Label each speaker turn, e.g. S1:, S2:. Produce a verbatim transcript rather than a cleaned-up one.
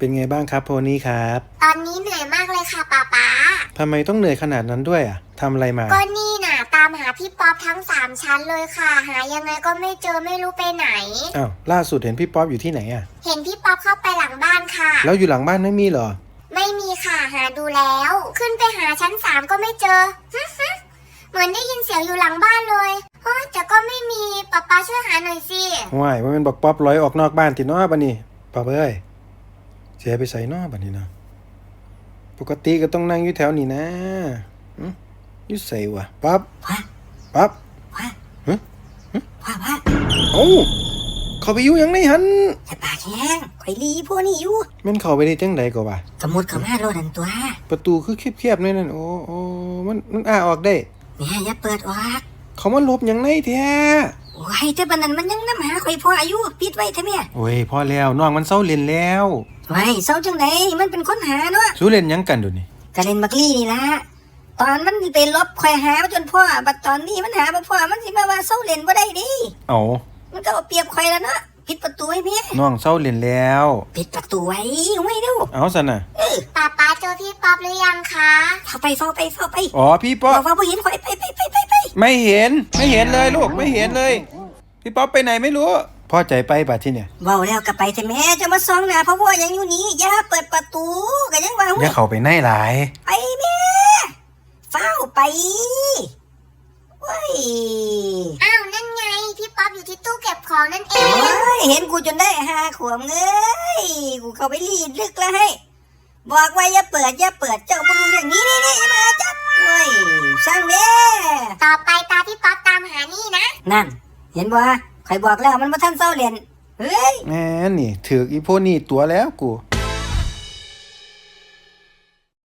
S1: เป็นไงบ้างครับโพนี่ครับ
S2: ตอนนี้เหนื่อยมากเลยค่ะป๊าป๊า
S1: ทำไมต้องเหนื่อยขนาดนั้นด้วยอ่ะทำอะไรมา
S2: ก็นี่น่ะตามหาพี่ป๊อปทั้งสามชั้นเลยค่ะหายังไงก็ไม่เจอไม่รู้ไปไหน
S1: อ้าวล่าสุดเห็นพี่ป๊อปอยู่ที่ไหนอ่ะ
S2: เห็นพี่ป๊อปเข้าไปหลังบ้านค่ะ
S1: แล้วอยู่หลังบ้านไม่มีเหรอ
S2: ไม่มีค่ะหาดูแล้วขึ้นไปหาชั้นสามก็ไม่เจอเหมือนได้ยินเสียงอยู่หลังบ้านเลยเฮ้ยแต่ก็ไม่มีป๊าป๊าช่วยหาหน่อยสิ
S1: ว้ายว่ามันบอกป๊อปลอยออกนอกบ้านติดน้อบันนี่ป๊อปเอ้ยเสียไปใส่นอกบันนี้นะปกติก็ต้องนั่งอยู่แถวนี้นะอยู่ใส่วะป๊อปป๊อป
S3: ว่า
S1: ฮึ
S3: ว่าว่า
S1: โอ้เขาไปอยู่ยังไงหัน
S3: อย่าปากแห้งข่อยลีพวกนี้อยู่
S1: แม่นเขาไปได้จังใดก็ว่า
S3: สมุดเข้ามาโลดันตัว
S1: ประตูคือเคียบๆนี่นั่นโอ้โอ้มันมันอ้าออกได้
S3: เนี่ยอย่าเปิดออก
S1: เขามาลบยังไงแท้
S3: โอ้ยแต่บัดนั้นมันยังนำหาข่อยพ่ออายุปิดไว้แท้แม่
S1: โอ้ยพอแล้วน้องมันเซาเล่นแล้ว
S3: ไว้เซาจังได๋มันเป็นคนหาเนาะ
S1: สู้เล่นยังกันดูนี่
S3: ก็เล่นบักลี่นี่ล่ะตอนมันไปลบข่อยหาจนพ่อบัดตอนนี้มันหาบ่พ่อมันสิมาว่าเซาเล่นบ่ได้ดิ
S1: เอ้า
S3: มันก็เอาเปรียบข่อยแล้วเนาะปิดประตูให้แม่
S1: น้องเซาเล่นแล้ว
S3: ปิดประตูไว้ไว้เด้อ
S1: เอาซั่นน่ะ
S2: ป๊าป๊าเจอพี่ป๊อปหรือยังคะ
S3: เข้าไปเข้าไปเข้าไป
S1: อ๋อพี่ป๊อป
S3: ว่าบ่เห็นข่อยไปไปไปไปไป
S1: ไม่เห็นไม่เห็นเลยลูกไม่เห็นเลยพี่ป๊อปไปไหนไม่รู้พ่อใจไปบัดที่เนี่ย
S3: เว้าแล้วก็ไปแต่แม่จะมาส่องหน้าเพราะว่ายังอยู่นี่อย่าเปิดประตูก็ยังว่า
S1: อย่าเข้าไปในหลาย
S3: ไปแม่เฝ้าไปเว้ย
S2: อ้าวนั่นไงพี่ป๊อปอยู่ที่ตู้เก็บของนั่นเอง
S3: เฮ้ยเห็นกูจนได้หาขวมเอ้ยกูเข้าไปรีดลึกแล้วให้บอกว่าอย่าเปิดอย่าเปิดเจ้าบ่รู้เรื่องนี้นี่นี่มาจับเว้ยช่างแม่
S2: ต่อไปตาพี่ป๊อปตามหานี่นะ
S3: นั่นเห็นบ่ข่อยบอกแล้วมันบ่ทันเซาเล่นเฮ้ย
S1: แหมนี่ถืออีโพนี่ตัวแล้วกู